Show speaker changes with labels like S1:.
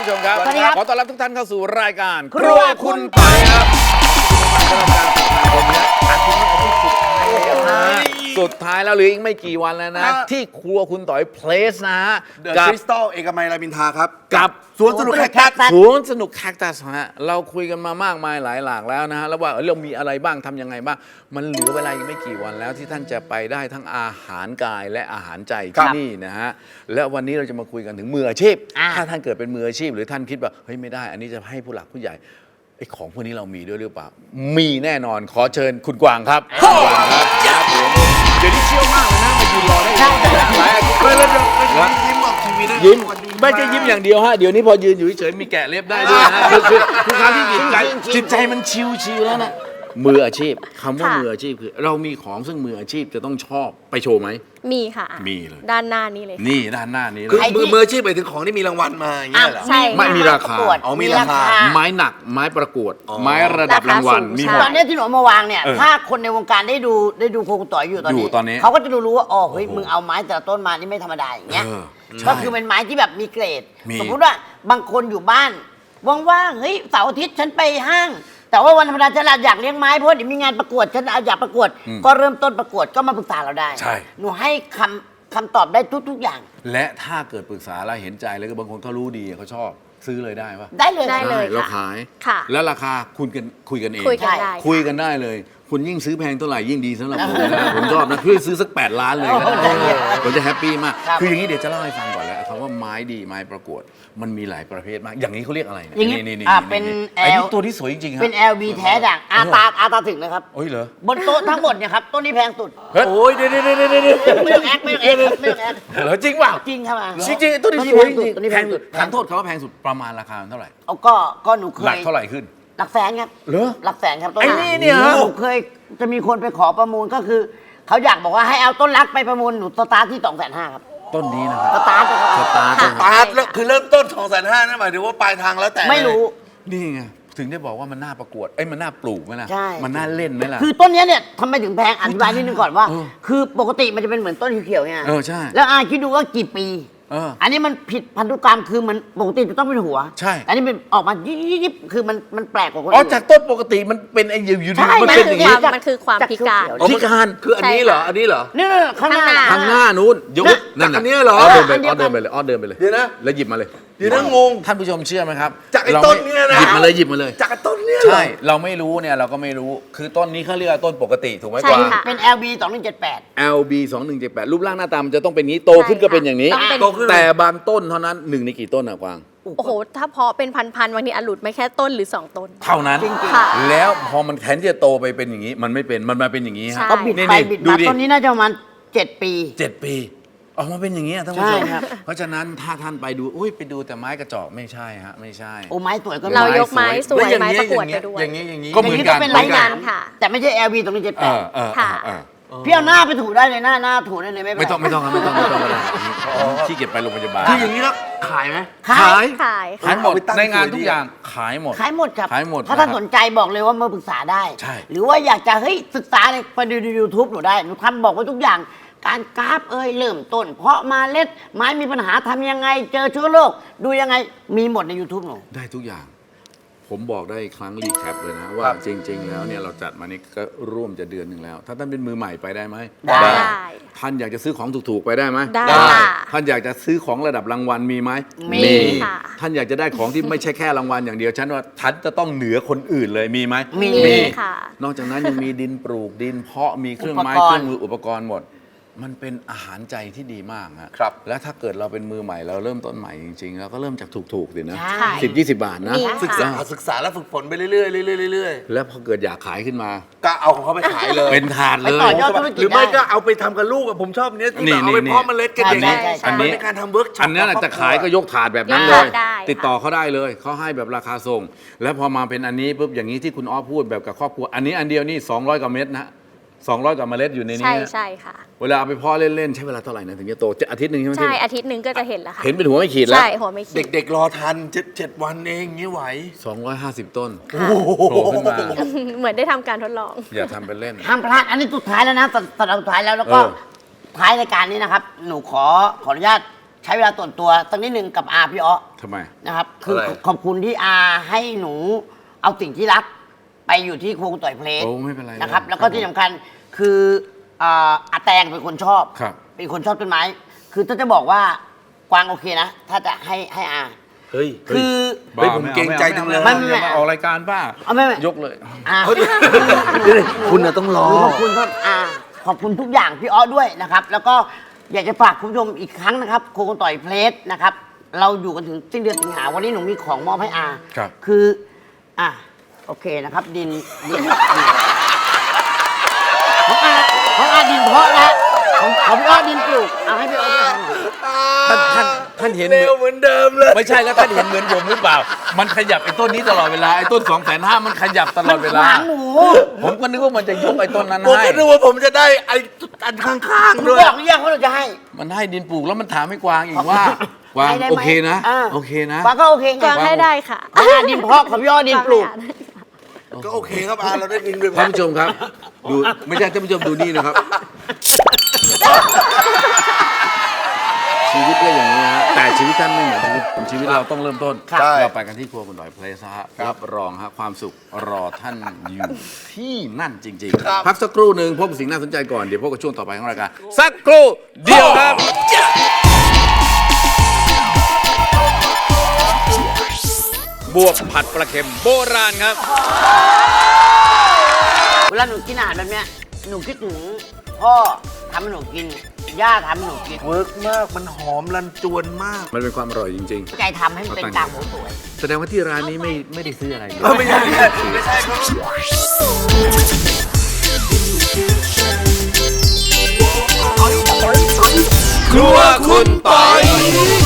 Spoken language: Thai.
S1: ชมครับ
S2: สวัสดีครับ
S1: ขอต้อนรับทุกท่านเข้าสู่รายการครัวคุณต่อยครับสุดท้ายแล้วหรืออีกไม่กี่วันแล้วนะ ที่ครัวคุณต่อยเพลสนะฮะ
S3: เดอะคริสตัลเอกมัยรามอินทราครับ
S1: กับ
S3: สวนสนุกแคคตัส
S1: สวนสนุกแคคตัสฮะเราคุยกันมามากมายหลายหลากแล้วนะฮะแล้วว่าเรามีอะไรบ้างทำยังไงบ้างมันเหลือเวลาอีกไม่กี่วันแล้วที่ท่านจะไปได้ทั้งอาหารกายและอาหารใจที่นี่นะฮะและวันนี้เราจะมาคุยกันถึงมืออาชีพถ้าท่านเกิดเป็นมืออาชีพหรือท่านคิดว่าเฮ้ยไม่ได้อันนี้จะให้ผู้หลักผู้ใหญ่ไอ้ของพวกนี้เรามีด้วยหรือเปล่ามีแน่นอนขอเชิญคุณกวางครับคุณกวางครับเดี๋ยวนี้เชี่ยวมากเลยนะมายืนรอได้หลายอาทิตย์เลย
S3: ยิ้มออกทีวีได้
S1: ยิ้มไม่ใช่ยิ้มอย่างเดียวฮะเดี๋ยวนี้พอยืนอยู่เฉยๆมีแกะเล็บได้ด้วยนะคือทุกครั้งที่จิตใจมันชิวๆแล้วนะมืออาชีพคำว่ามืออาชีพคือเรามีของซึ่งมืออาชีพจะต้องชอบไปโชว์ไหม
S4: มีค่ะ
S1: มีเลย
S4: ด้านหน้านี้เลยค่ะ
S1: นี่ด้านหน้านี้เล
S3: คือย มืออาชีพไปถึงของที่มีรางวัลมาอย่างเงี้ยเหรอ
S4: ใช่
S1: ไม่มีราคา
S3: อ๋อมีราคา
S1: ไม้หนักไม้ประกวดไม้ระดับรางวัลมีหม
S2: ต
S1: ด
S2: อนนี้ที่หนูเอามาวางเนี่ย ถ้าคนในวงการได้ดูโคกุต่อยอยู่ตอน
S1: อยู่
S2: นี้
S1: ตอนนี้
S2: เขาก็จะรู้ว่าอ๋อเฮ้ยมึงเอาไม้แต่ละต้นมานี่ไม่ธรรมดาอย่างเงี้ย
S1: ใช่
S2: ก็คือเป็นไม้ที่แบบมีเกรด
S1: มี
S2: สมมุติว่าบางคนอยู่บ้านว่างๆเฮ้ยเสาร์อาทิตย์ฉันไปห้าง แต่ว่าวันธรรมดาฉันอยากเลี้ยงไม้เพราะเดี๋ยวมีงานประกวดฉันอยากประกวด ก็เริ่มต้นประกวดก็มาปรึกษาเราได้
S1: ใช่
S2: หนูให้คำตอบได้ทุกๆอย่าง
S1: และถ้าเกิดปรึกษาแล้วเห็นใจแล้วก็บางคนเขารู้ดีเขาชอบซื้อเลยได้ปะ
S2: ได้เลย
S4: ได้เลย
S1: เรา
S4: ค่ะ
S1: ขาย
S4: ค่ะ
S1: แล้วราคาคุยกันเอง
S4: คุยกันได้
S1: คุยกันได้เลย คุณยิ่งซื้อแพงเท่าไหร่ยิ่งดีสำหรับผมนะผมชอบนะคือซื้อสัก8 ล้านเลยก็ได้ผมจะแฮปปี้มาก
S2: ครับ
S1: คืออย่างนี้เดี๋ยวจะเล่าให้ฟังก่อนแล้วคำว่าไม้ดีไม้ประกวด มันมีหลายประเภทมาก อย่างนี้เขาเรียกอะไรเ
S2: อย่างนี้
S1: นี่
S2: เป็น
S1: ไอ้นี่ตัวที่สวยจริงๆครับ
S2: เป็น LB แท้ด่างอาตาถึงนะครับ
S1: โอ้ยเหรอบ
S2: นโต๊ะทั้งหมดเนี่ยครับต้นนี้แพงสุด
S1: เฮ้ยโอ้ยเดี๋ยว
S2: ไม่ต้องแอคไม่ต้องแอคไม่ต้องแอค
S1: เหรอจริงเปล่า
S2: จริงครับ
S1: จริงๆตัวนี้สวยจริง
S2: ตัวนี้แพงสุด
S1: ถามโทษเขาว่าแพงสุดประมาณราคาเท่าไหร่
S2: เอาก็หนูเคย
S1: หลักเท่าไหร่ขึ้น
S2: หลักแสนครับ
S1: เหรอ
S2: หลักแสนครับต้น
S1: ไอ้นี่เนี่ยเหรอ
S2: หนูเคยจะมีคนไปขอประมูลก็คือเขาอยากบอกว่าให้เอาต้นรักไปประมูลหนูสตาร์ทที่250,000ครับ
S1: ต้นนี้นะครับ
S2: สตาร์ทเลยครับ
S1: สตาร์ท
S4: ค่ะ
S3: ปาร์ตแล้วคือเริ่มต้น250,000นั่นหมายถึงว่าปลายทางแล้วแต่
S2: ไม่รู้
S1: นี่ไงถึงได้บอกว่ามันน่าประกวดเอ้ยมันน่าปลูกไหมล่ะ
S2: ใช่
S1: มันน่าเล่นไหมล่ะ
S2: คือต้นเนี้ยเนี่ยทำไมถึงแพงอธิบายนิดนึงก่อนว่า
S1: เออ
S2: คือปกติมันจะเป็นเหมือนต้นเขียวๆเนี่ย
S1: ใช่
S2: แล้วคิดดูว่ากี่ปี
S1: อั
S2: นนี้มันผิดพันธุกรรมคือมันปกติจะต้องเป็นหัว
S1: ใช่
S2: อันนี้เป็นออกมายิบๆคือมันแปลกกว่าคน
S1: อ๋อ
S2: อื่น
S1: จากต้นปกติมันเป็นไอ้อยู่
S2: ใช่
S1: ๆมันเป็นอย่างนี้
S4: มันคือความพิการ
S3: อ๋อ
S1: พิการ
S3: คืออันนี้เหรอ อันนี้เหรอ
S2: นี่ข้างหน้า
S4: ข้างหน้า
S1: ทางหน้านู้นยก
S2: นะ
S1: นั่น
S3: อันเนี้ยเหรอ
S1: เดินไป
S2: อันเดียวกัน
S1: เดินไปเลยเดินไปเลย
S3: เดี๋ยวนะ
S1: แล้วหยิบมาเลย
S3: เดี๋ยวนะงง
S1: ท่านผู้ชมเชื่อไหมครับ
S3: จากไอ้
S1: เรา
S3: ต้น
S1: ไม่
S3: เนี่ยนะ
S1: หยิบมาเลย
S3: จากต้นเนี่ยเหรอ
S1: ใช่เราไม่รู้เนี่ยเราก็ไม่รู้คือต้นนี้เขาเรียกว่าต้นปกติถูกไหม
S4: ใช่
S1: กวาง
S4: ค่ะ
S2: เป็น LB 2178
S1: LB 2178รูปร่างหน้าตามันจะต้องเป็นอย่างนี้โตขึ้นก็เป็นอย่างนี้
S4: ต้องเป็น
S3: โตขึ้น
S1: แต่บางต้นเท่านั้นหนึ่งในกี่ต้นอะกวาง
S4: โอ้โห ถ้าเพาะเป็นพันๆบางทีอลุดไม่แค่ต้นหรือ 2 ต้น
S1: เท่านั้น
S2: จริง
S4: ค่ะ
S1: แล้วพอมันแทนที่จะโตไปเป็นอย่างนี้ มันไม่เป็นมันมาเป็นอย่างนี้ฮะ
S4: ใช่
S2: ก็บิด
S1: นี่
S2: ไป
S1: นี่
S2: บิด
S1: ดู
S2: มา
S1: ดิ
S2: ต้นนี้น่าจะประมาณ7 ปี
S1: 7 ปีออกมาเป็นอย่างนี้ยท่านผู้ช
S2: ใช่
S1: ม
S2: ครับ
S1: เพราะฉะนั้นถ้าท่านไปดูอุ้ยไปดูแต่ไม้กระจอกไม่ใช่ฮะไม่ใช่
S2: โอ้ไม้สวยก็
S4: เรา
S2: มี
S4: ยกไม้สวยไม้ประกวดไปด้วย
S3: อย่างนี้
S1: ก็เหมือนกัน
S2: เป็น
S4: เหมื
S2: ไม้
S4: อน
S2: ห
S4: กั
S2: นาน ม
S4: ค่ะ
S2: แต่ไม่ใช่ LB
S4: ค่ะ
S2: พี่เอาหน้าไปถูได้เลยหน้าถูได้เลยไม่เป็น
S1: ไม่
S2: ไร
S1: ต้องครับไม่ต้องก็ได้ขี้เกียจไปโรงพยาบาล
S3: คืออย่างนี้แล้วขายไหม
S2: ขาย
S4: ขาย
S1: ขายหมด
S3: เอาไปตั้ง
S1: ในงาน
S3: สวยดี
S1: ทุกอย่างขายหมด
S2: ขายหมดครับ
S1: ขายหมด
S2: ถ้าท่าน
S1: นะครับ
S2: สนใจบอกเลยว่ามาปรึกษาได้
S1: ใช่
S2: หรือว่าอยากจะเฮ้ยศึกษาเลยไปดู YouTube หนูได้หนูทำบอกไว้ทุกอย่าง การกราฟเริ่มต้น เพาะเมาเล็ดไม้มีปัญหาทำยังไง เจอเชื้อโรคดูยังไงมีหมดใน YouTube หนู
S1: ได้ทุกอย่าง ผมบอกได้อีกครั้งรีแคปเลยนะว่าจริง ๆ แล้วเนี่ยเราจัดมานี่ก็ร่วมจะเดือนหนึ่งแล้ว ถ้าท่านเป็นมือใหม่ไปได้ไหม
S2: ได้
S1: ท่านอยากจะซื้อของถูกๆไปได้ไหม
S4: ได้ค่ะ
S1: ท่านอยากจะซื้อของระดับรางวัลมีไหม
S2: มี
S4: ค่ะ
S1: ท่านอยากจะได้ของที่ไม่ใช่แค่รางวัลอย่างเดียวฉันว่าท่านจะต้องเหนือคนอื่นเลยมีไหม
S2: มี
S4: มีค่ะ
S1: นอกจากนั้นยังมีดินปลูกดินเพาะมีเครื่องไม้
S2: อุปกรณ์
S1: เครื่องมืออุปกรณ์หมด มันเป็นอาหารใจที่ดีมากฮะ
S3: ครับ
S1: และถ้าเกิดเราเป็นมือใหม่เราเริ่มต้นใหม่จริงๆเราก็เริ่มจากถูกๆสินะ
S2: ใช่
S1: 10-20 บาทนะ
S4: มี
S3: ศึกษาศึกษาแล้วฝึกฝนไปเรื่อยๆเรื่อย
S1: แล้วพอเกิดอยากขายขึ้นมา
S3: ๆก็เอาของเขาไปขายเลย
S1: เป็นถาดเล
S2: ไป
S1: ย
S2: ต่อยอดธุรกิจ
S3: หรือไม่
S2: ได้
S3: ก็เอาไปทำกับลูกอะผมชอบเนี้ยที่
S1: นี่
S3: แบบเอาไป
S1: นี่
S3: เพาะเมล็ดกันอย่างนี้
S2: ใช่ใช่
S3: อันนี้เป็นการทำเวิร์กช็อป
S1: อันนี้น่ะจะขายก็ยกถาดแบบนั้นเลย
S4: ได้
S1: ติดต่อเขาได้เลยเขาให้แบบราคาส่ง แล้วพอมาเป็นอันนี้ปุ๊บอย่างนี้ที่คุณอ้อพูดแบบกับครอบครัวอันนี้อันเดียวนี่200 กว่าเม็ดนะ200 กว่าเมล็ดอยู่ในนี้
S4: ใช่
S1: นะ
S4: ใช่ค่ะ
S1: เวลาเอาไปเพาะเล่นๆใช้เวลาเท่าไหร่นะถึงจะโตอาทิตย์หนึ่งใช่ไหม
S4: ใช่อาทิตย์หนึ่งก็จะเห็นแล้วค่ะ
S1: เห็นเป็นหัวไม่ขีดแล้ว
S4: ใช่หัวไม่ขีด
S3: เด็กๆรอทัน7 วันเองงี้ไหว
S1: 250 ต้น
S4: ค่ะ
S1: โผล่ขึ้นมา
S4: เหมือนได้ทำการทดลอง
S1: อย่าทำเป็นเล่น
S2: ห้ามพลาดอันนี้สุดท้ายแล้วนะสัปดาห์สุดท้ายแล้วก็
S1: เออ
S2: ท้ายรายการนี้นะครับ หนูขออนุญาตใช้เวลาส่วนตัวสักนิดนึงกับอาพี่อ้อ
S1: ทำไม
S2: นะครับ คือ
S3: อะไร
S2: ขอบคุณที่อาให้หนูเอาสิ่งที่รักไปอยู่ที่ครัวคุณต่อยเพลง
S1: โอ้ไม่เป็นไร
S2: นะครับ
S1: เลย
S2: แล้วก็
S1: ครับ
S2: ที่สำคัญคืออาแตงเป็นคนชอบ
S1: ครับ
S2: เป็นคนชอบต้นไม้ คือถ้าจะบอกว่ากวางโอเคนะ ถ้าจะให้อา
S3: เฮ้ย
S2: คือ
S3: เฮ้ยผมเกรงใจจังเลย
S2: ไม่
S1: อย่ามาออกรายการป้า
S2: เอาไม่
S1: ยกเลย
S2: อา
S3: คุณน่ะต้องรอ
S2: ขอบคุณครับขอบคุณทุกอย่างพี่อ้อด้วยนะครับ แล้วก็อยากจะฝากคุณผู้ชมอีกครั้งนะครับโคกต่อยเพลสนะครับ เราอยู่กันถึงสิ้นเดือนสิงหาวันนี้หนูมีของมอบให้อา
S1: ครับ
S2: คือโอเคนะครับ ดินของอาดินเพาะนะของพี่อ้อดินปลูกเอาให้พี่อ้อด้วยครับ
S1: ท่านเห็น
S3: เร็วเหมือนเดิมเลย
S1: ไม่ใช่แล้วท่านเห็นเหมือนผมหรือเปล่า มันขยับไอ้ต้นนี้ตลอดเวลาไอ้ต้น 250,000มันขยับตลอดเวลา
S2: ขวางหนู
S1: ผมก็นึกว่ามันจะยกไอ้ต้นนั้น
S3: ผม
S1: ให้
S3: ก็นึกว่าผมจะได้ไอ้อันข้าง
S2: หนู
S3: ๆด้วย
S2: บอกหรือยังว่าเราจะให้
S1: มันให้ดินปลูกแล้วมันถามให้กวางอีกว่ากวาง
S2: ให้ได้ไหม
S1: โอเคนะ
S2: า
S1: โอเคนะ
S2: กวางก็โอเคไง
S4: กวางให้ได้ค่ะ
S2: ดินเพาะของพี่อ้อดินปลูก
S3: ก็โอเคครับอาเราได้ดินไป
S1: ท่านผู้ชมครับ ดูไม่ใช่ท่านผู้ชมดูนี่นะครับ ชีวิตก็อย่างนี้ฮะแต่ชีวิตท่านไม่เหมือนชีวิตเราต้องเริ่มต้น
S3: ครับ
S1: เราไปกันที่ครัวคุณหน่อยเพลสฮะรับรองฮะความสุขรอท่านอยู่ที่นั่นจริงๆพักสักครู่หนึ่งพบกับสิ่งน่าสนใจก่อนเดี๋ยวพบกับช่วงต่อไปของรายการสักครู่เดียวครับ บวบผัดปลาเค็มโบราณครับ
S2: เวลาหนูกินอาหารแบบเนี้ยหนูคิดถึงพ่อทำให้หนูกิน ย่าทำให้หนูกิน
S3: เวิร์กมากมันหอมรันจวนมาก
S1: มันเป็นความอร่อยจริง
S2: ใจทำให้มันเป็นกากหมูสวย
S1: ๆ แสดงว่าที่ร้านนี้ไม่ได้ซื้ออะไรเลย
S3: ไม่ใช่ครับ
S1: ครัวคุณปอย